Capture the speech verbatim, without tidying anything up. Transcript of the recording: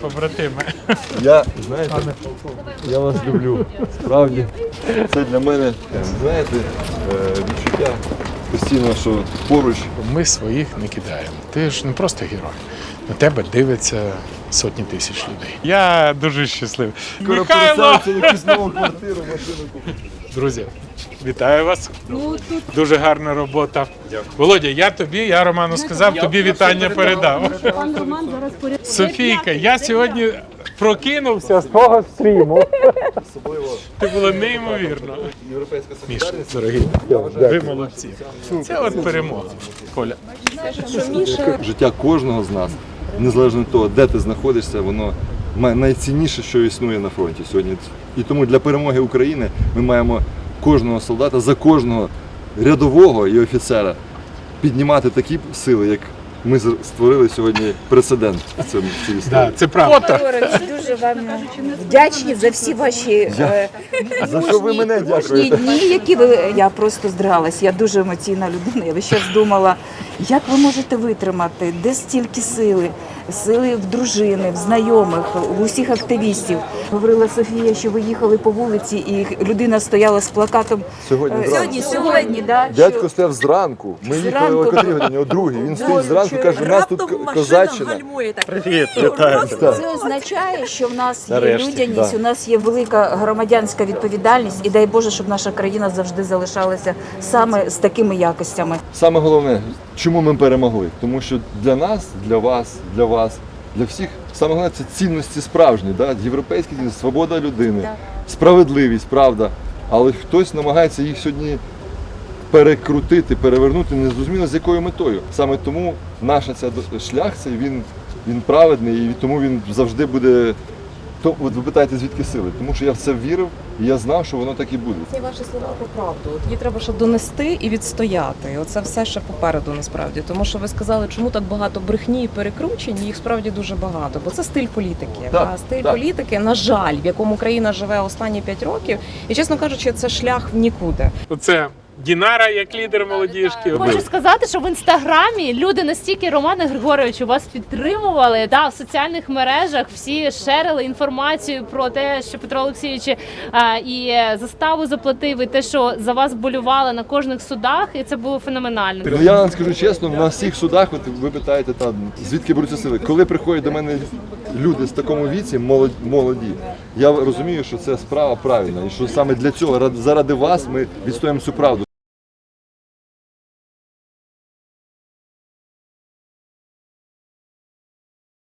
побратими. Я, знаєте, я вас люблю. Справді. Це для мене, знаєте, відчуття постійно, що поруч. Ми своїх не кидаємо. Ти ж не просто герой. На тебе дивиться сотні тисяч людей. Я дуже щасливий. Скоро Михайло! переселиться в якусь нову квартиру, машину купити. Друзі, вітаю вас. Дуже гарна робота. Володя, я тобі, я Роману сказав, тобі вітання передав. Пан Роман зараз поряд. Софійка, я сьогодні прокинувся з того стріму. Це було неймовірно. Європейська Міш, солідарність. дорогі, ви молодці. Це от перемога. Коля. Життя кожного з нас, незалежно від того, де ти знаходишся, воно найцінніше, що існує на фронті сьогодні. І тому для перемоги України ми маємо кожного солдата, за кожного рядового і офіцера піднімати такі сили, як ми створили сьогодні прецедент в цьому в цій історії. Да, це правда. Григорович, дуже вам вдячні за всі ваші е, За що ви мене мужні дякуєте? дні, які ви. Я просто здригалась. Я дуже емоційна людина. Я весь час думала, як ви можете витримати, де стільки сили, сили в дружини, в знайомих, в усіх активістів. Говорила Софія, що ви їхали по вулиці, і людина стояла з плакатом. Сьогодні Е, зранку. сьогодні, сьогодні, да, Дядько що- стояв зранку. Ми їхали Зранку. о котрій годині, о другій. Він стоїть зранку, каже, у нас тут козаччина. Привіт, вітаю. Це означає, що в нас є Нарешті, людяність, да. у нас є велика громадянська відповідальність, і дай Боже, щоб наша країна завжди залишалася саме з такими якостями. Саме головне, чому ми перемогли? Тому що для нас, для вас, для вас, для всіх, саме головне це цінності справжні, да? Європейські цінності, свобода людини, Так. справедливість, правда. Але хтось намагається їх сьогодні перекрутити, перевернути, незрозуміло з якою метою. Саме тому наш ця шлях цей, він, він праведний, і тому він завжди буде. То, от ви питаєте, звідки сили? Тому що я в це вірив, і я знав, що воно так і буде. Це ваші слова про правду. От її треба ще донести і відстояти. І оце все ще попереду насправді. Тому що ви сказали, чому так багато брехні і перекручень, їх справді дуже багато. Бо це стиль політики. Так, а стиль так. політики, на жаль, в якому країна живе останні п'ять років. І, чесно кажучи, це шлях в нікуди. Оце Дінара як лідер молодіжки. Хочу сказати, що в інстаграмі люди настільки, Романе Григоровичу, вас підтримували. Да, в соціальних мережах всі шерили інформацію про те, що Петро Олексійович а, і заставу заплатив, і те, що за вас болювали на кожних судах, і це було феноменально. Ну я вам скажу чесно, на всіх судах, от ви питаєте, та, звідки беруться сили. Коли приходять до мене люди в такому віці, молоді, молоді, я розумію, що це справа правильна, і що саме для цього, ради- заради вас, ми відстоїмо цю правду.